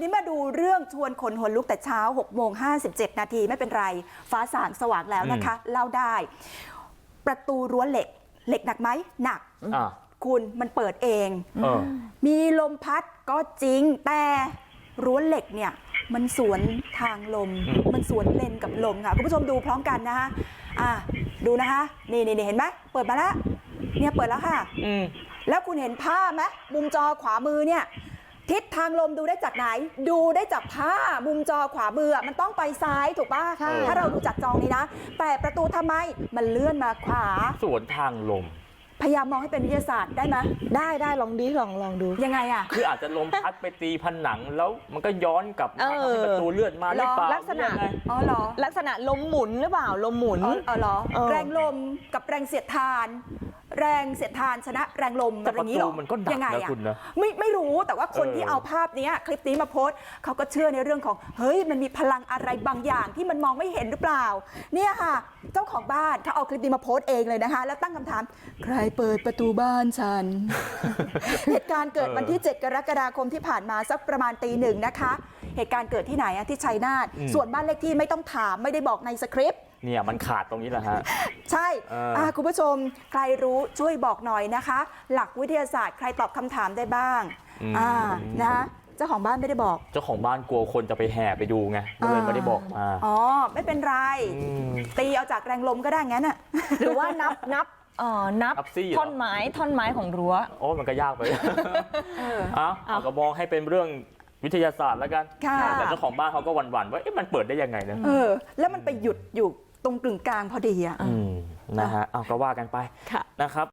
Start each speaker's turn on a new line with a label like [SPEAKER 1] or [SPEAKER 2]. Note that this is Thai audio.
[SPEAKER 1] นี้มาดูเรื่องชวนขนหัวลุกแต่เช้า6:57 นาทีไม่เป็นไรฟ้าสางสว่างแล้วนะคะเล่าได้ประตูรั้วเหล็กหนักไหมหนักคุณมันเปิดเองมีลมพัดก็จริงแต่รั้วเหล็กเนี่ยมันสวนทางลมมันสวนเลนกับลมค่ะคุณผู้ชมดูพร้อมกันนะคะดูนะคะนี่เห็นไหมเปิดมาแล้วเนี่ยเปิดแล้วค่ะแล้วคุณเห็นผ้าไหมมุมจอขวามือเนี่ยทิศทางลมดูได้จากไหนดูได้จากผ้ามุมจอขวามือมันต้องไปซ้ายถูกป่ะถ้าเราดูจากจอนี้นะแต่ประตูทำไมมันเลื่อนมาขวา
[SPEAKER 2] สวนทางลม
[SPEAKER 1] พยายามมองให้เป็นวิทยาศาสตร์ได้ไหม
[SPEAKER 3] ได้ลองดู
[SPEAKER 1] ยังไงอ่ะ
[SPEAKER 2] คืออาจจะลมพัดไปตีผนังแล้วมันก็ย้อนกลับมาทำให้ประตูเลื่อนมาหรือเปล่า
[SPEAKER 3] ลักษณะ
[SPEAKER 1] เหรอ
[SPEAKER 3] ลักษณะลมหมุนหรือเปล่าลมหมุน
[SPEAKER 1] เหรอแรงลมกับแรงเสียดทานแรงเสียดทานชนะแรงลมแบบนี้หรอ
[SPEAKER 2] มันก็ดังนะคุณนะ
[SPEAKER 1] ไม่รู้แต่ว่าคนที่เอาภาพนี้คลิปนี้มาโพสต์เขาก็เชื่อในเรื่องของเฮ้ยมันมีพลังอะไรบางอย่างที่มันมองไม่เห็นหรือเปล่าเนี่ยค่ะเจ้าของบ้านเขาเอาคลิปนี้มาโพสต์เองเลยนะคะแล้วตั้งคำถามใครเปิดประตูบ้านฉัน เหตุการณ์เกิดวันที่7 กรกฎาคมที่ผ่านมาสักประมาณตี 1นะคะเหตุการณ์เกิดที่ไหนที่ชัยนาทส่วนบ้านเลขที่ไม่ต้องถามไม่ได้บอกในสคริปต์
[SPEAKER 2] เนี่ยมันขาดตรงนี้แหละฮะ
[SPEAKER 1] ใช่คุณผู้ชมใครรู้ช่วยบอกหน่อยนะคะหลักวิทยาศาสตร์ใครตอบคำถามได้บ้างนะคะเจ้าของบ้านไม่ได้บอก
[SPEAKER 2] เจ้าของบ้านกลัวคนจะไปแห่ไปดูไงก็เลยไม่ได้บอกมา
[SPEAKER 1] ไม่เป็นไรตีเอาจากแรงลมก็ได้งั้นอ่ะ
[SPEAKER 3] หรือว่านับท่อนไม้ของรั้ว
[SPEAKER 2] โอ้มันก็ยากไปเอาก็มองให้เป็นเรื่องวิทยาศาสตร์แล้วกันแต่เจ้าของบ้านเขาก็หวั่นๆว่ามันเปิดได้ยังไงนะ
[SPEAKER 1] แล้วมันไปหยุดอยู่ตรงกึ่งกลางพอดี
[SPEAKER 2] นะฮะเอาก็ว่ากันไปนะครับ